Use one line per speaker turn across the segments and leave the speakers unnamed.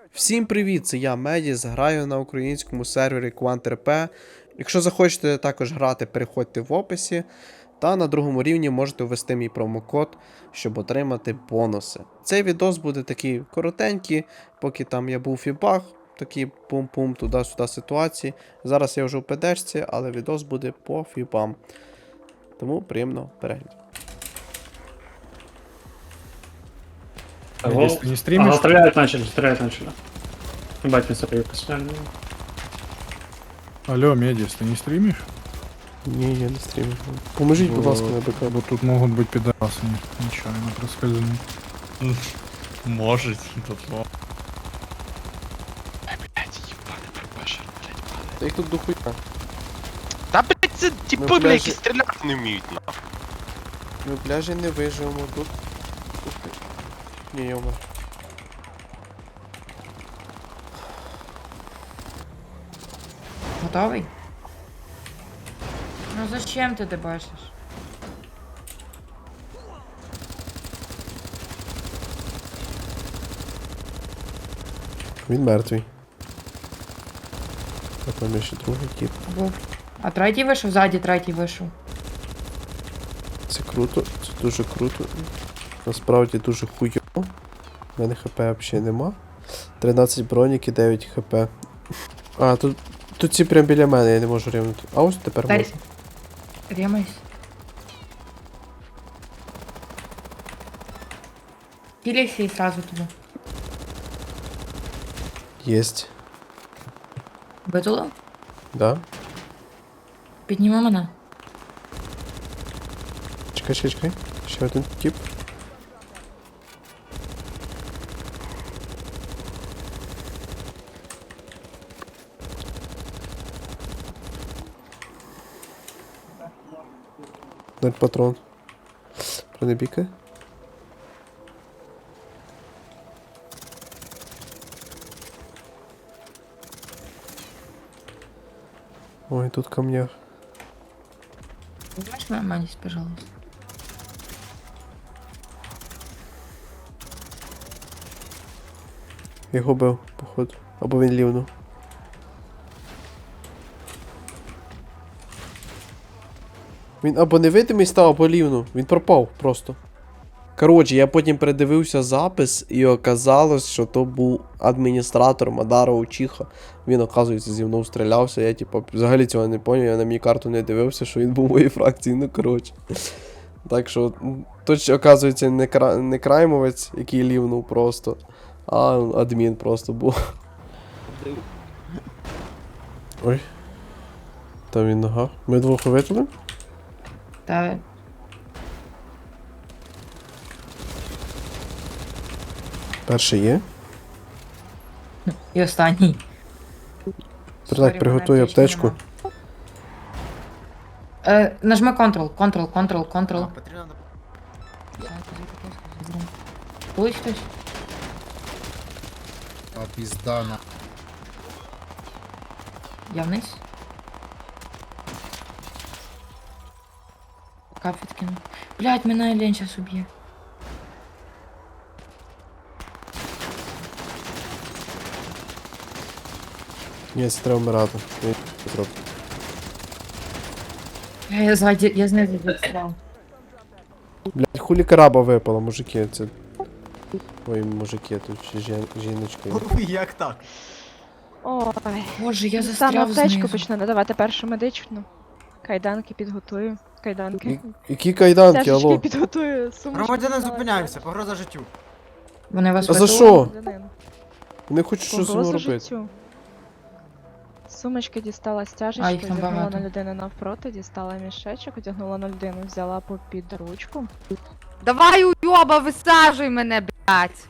Всім привіт, це я Медіс, граю на українському сервері QuantRP. Якщо захочете також грати, переходьте в описі. Та на другому рівні можете ввести мій промокод, щоб отримати бонуси. Цей відос буде такий коротенький, поки там я був у фібах, такі пум-пум, туди-сюди ситуації. Зараз я вже в ПДшці, але відос буде по фібам. Тому приємного перегляду.
Медис, ты не стримишь?
Ага, стрелять начали. Ебать, не сопри, посмотрели.
Алло, Медис, ты не стримишь?
Ні, я не стрімлю. Поможіть, будь ласка, на БК.
Вот тут могут быть пидорасы, нечаянно проскользнуть.
Может, тут но.
Та їх тут дохуя.
Та блять, це
Ми
типи,
в
бля,
пляжі-
які стріляти не вміють, на.
Ми в пляжі не виживемо тут. Ні, йома.
Готовий? Ну зачем ти дебашиш?
Він мертвий. А там є ще другий тип.
Був. А третій вийшов, ззаді третій вийшов.
Це круто, це дуже круто. Насправді дуже хуйово. У мене хп взагалі нема. 13 бронік і 9 хп. А, тут ці прям біля мене, я не можу рівнути. А ось тепер
Дай.
можу.
Ремайся. Кілейся і сразу туди.
Єсть.
Витулив?
Да?
Підніми мене.
Чекай. Ще один тип. Ноль патрон. Пронебіка. Ой, тут камнях.
Знаєш мене, Маніс, пожалуйста.
Його бив, походу. Або він лівнув. Він або невидимий став, або лівнув. Він пропав просто. Коротше, я потім передивився запис і оказалось, що то був адміністратор Мадара Учиха. Він, оказується, зі мною стрілявся. Я, типу, взагалі цього не поняв, я на мій карту не дивився, що він був у моїй фракції, ну коротше. Так що, тут, оказується, не краймовець, який лівнув просто, а адмін просто був. Ой. Там він нога. Ми двох витягли?
Та
Перший є.
і останній.
Так, приготуй аптечку.
Нажми Ctrl. Ось хтось.
А пизда на...
Я вниз. Кафет кину. Блять, мене лень сейчас уб'є.
Ні, це треба вмирати. Я не зроблю.
Я ззаді, я знизу відстріл.
Блять, хулі караба випала, мужики, це... Ой, мужики, тут ще жіночки.
Як так?
Ой,
Боже, я
саме
застряв
аптечку
знизу.
почну надавати першу медичну. Кайданки підготую. Кайданки.
Які кайданки,
Стяжечки
алло?
підготую. Сумочки.
Громадянин,
дістала.
зупиняємося, погроза життю.
Вони вас
А за
витягли?
що?
Громадянин.
Не хочу що з
Погроза
ним робити.
життю. Сумочки дістала
А,
стяжечки,
їх там
одягнула
багато.
на людину навпроти, дістала мішечок, одягнула на людину, взяла попід ручку.
Давай, уйоба, висаджуй мене, блядь.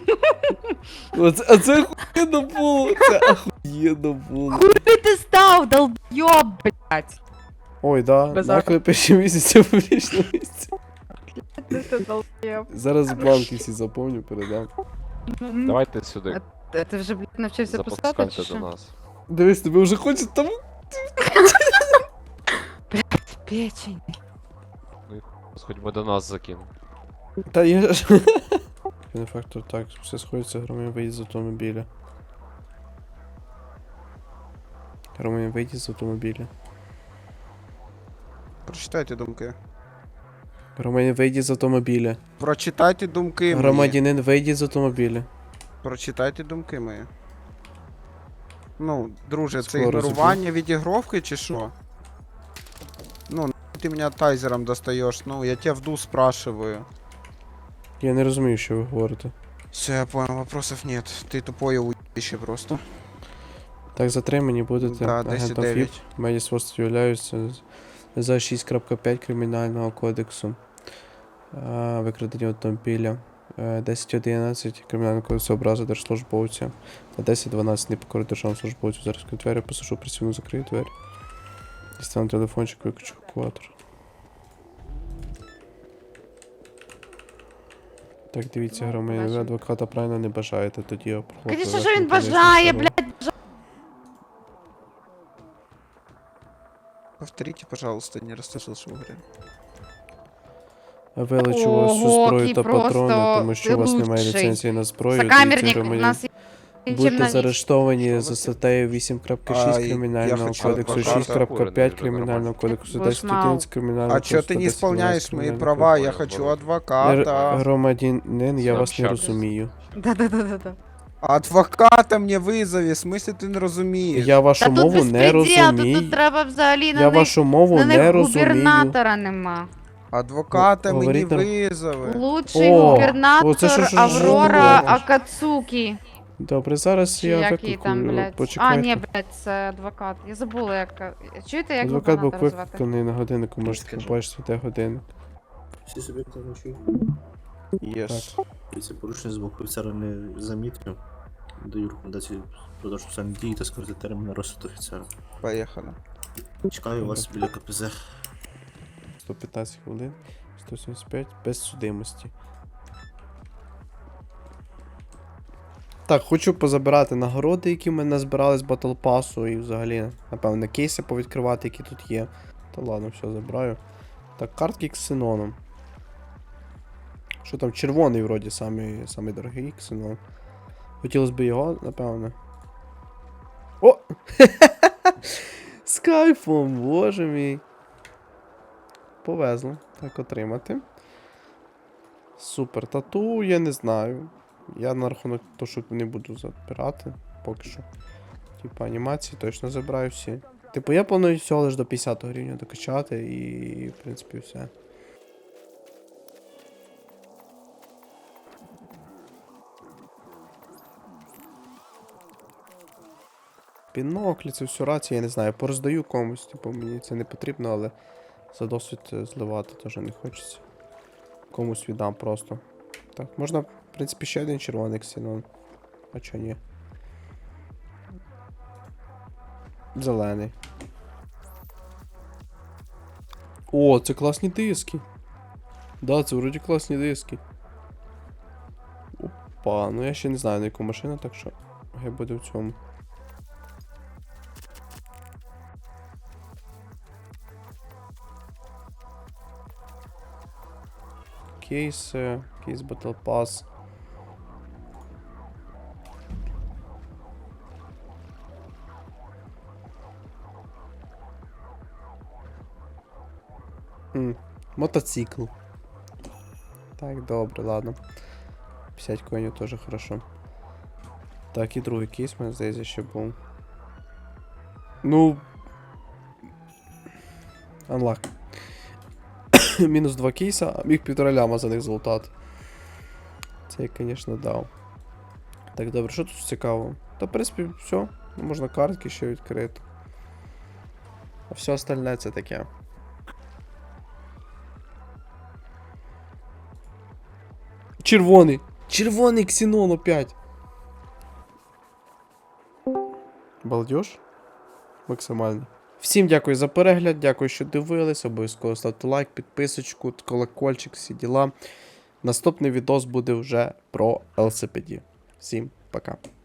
А це охуєнно було, це охуєнно було.
Хуй ти став, долбйоб, блядь.
Ой, да,
Без
наклеп перші місяці в публічному місці.
Ти долбєв.
Зараз бланки всі заповню, передам.
Давайте сюди,
Ти вже, блядь, навчився писати, чи
запускайте до
що?
нас.
Дивись, тебе вже хочуть там.
Печень.
Хоч би до нас закинув.
Та я ж. Бенефактор, так, все сходиться, громадян вийде з автомобіля. Громадян вийде з автомобіля.
Прочитайте думки.
Громадянин вийде з автомобіля.
Прочитайте думки мої.
Громадянин вийде з автомобіля.
Прочитайте думки мої. Ну, друже, це
Скоро
ігнорування відігровки чи що? Ну, ти мене тайзером достаєш, ну, я тебе вду спрашиваю.
Я не розумію, що ви говорите.
Все, я понял, вопросов нет. Ты тупое уебище просто.
Так, затримані будете
Да,
агентом
10-9.
ФІП. Медіасводство являються за 6.5 Кримінального кодексу. Викрадення автомобіля. 10.11 Кримінального кодексу образи держслужбовця. Та 10.12 непокори державному службовцю. Зараз відкрию двері, посажу працівну, закрию двері. Дістану телефончик, виключу евакуатор. Так, дивіться, громадяни, ви адвоката правильно не бажаєте, тоді я проходжу.
Звісно, що він бажає, блядь.
Повторите, пожалуйста, не расслышал, что вы говорили.
Вилучу вас всю
Ого,
зброю
який
та патрони,
просто
тому що у вас немає
лучший.
ліцензії на зброю.
Сокамерник,
дивіться,
у
громадяни.
нас є
Будьте
чим
заарештовані
Що
за
ви
статтею
А,
8.6
я
Кримінального
хочу
кодексу,
адвоката.
6.5 Кримінального кодексу,
Будеш
10.11 Кримінального
А
кодексу.
чё ты не
10.12
исполняешь мои
Кримінального
права?
кодексу.
Я хочу адвоката.
Громадянин, я вас не
Сообщак.
розумію.
Да-да-да-да.
Адвоката мне вызови, в смысле ты не розумієш?
Я вашу
Та тут
мову не
безпреділ, тут
розумію.
треба взагалі
Я
на них,
вашу мову
на
не
них
розумію.
губернатора нема.
Адвоката мені
Говоріть нам.
визови.
Лучший
О,
губернатор
оце що ж
Аврора
говориш?
Акацукі.
Добре, зараз
Чи
я
який там,
викликаю.
блядь. А,
Почекайте.
ні, блядь, це адвокат. Я забула, як. Чуєте, як
Адвокат був
губернатора звати?
викликаний на годиннику, можете
Скажи.
побачити, де годинник.
Всі суб'єкти вночі.
Єс.
Це порушення з боку офіцера не замітив. Даю рекомендації продовж спеціальні дії та скоротити термін на розсуд офіцера.
Поїхали.
Чекаю вас біля КПЗ.
115 хвилин, 175, без судимості. Так, хочу позабирати нагороди, які ми назбирали з Battle Pass, і взагалі, напевно, кейси повідкривати, які тут є. Та ладно, все, забираю. Так, картки ксеноном. Що там, червоний вроді самий дорогий ксенон. Хотілося б його, напевно. О! З кайфом, боже мій. Повезло. Так, отримати. Супер. Тату, я не знаю. Я на рахунок того, що не буду забирати. Поки що. Типа анімації точно забираю всі. Типу, я планую всього лиш до 50 рівня докачати і, в принципі, все. Біноклі, це все рація, я не знаю, пороздаю комусь, типу, мені це не потрібно, але за досвід зливати теж не хочеться. Комусь віддам просто. Так, можна, в принципі, ще один червоний ксенон. А чо ні? Зелений. О, це класні диски. Да, це вроді класні диски. Опа, ну я ще не знаю на яку машину, так що хай буде в цьому. Кейс Battle Pass. Мотоцикл. Так, добре, ладно. 50 коїнів теж хорошо. Так, і другий кейс, мене здається, ще був. Ну. Unlock. Мінус 2 кейса, а міг 1,5 ляма за них золотати. Це я, звісно, дав. Так, добре, що тут цікаво? Та, в принципі, все. Можна картки ще відкрити. А все остальне це таке. Червоний! Червоний ксенон опять! Балдеж? Максимально. Всім дякую за перегляд, дякую, що дивились. Обов'язково ставте лайк, підписочку, колокольчик, всі діла. Наступний відос буде вже про LCPD. Всім пока.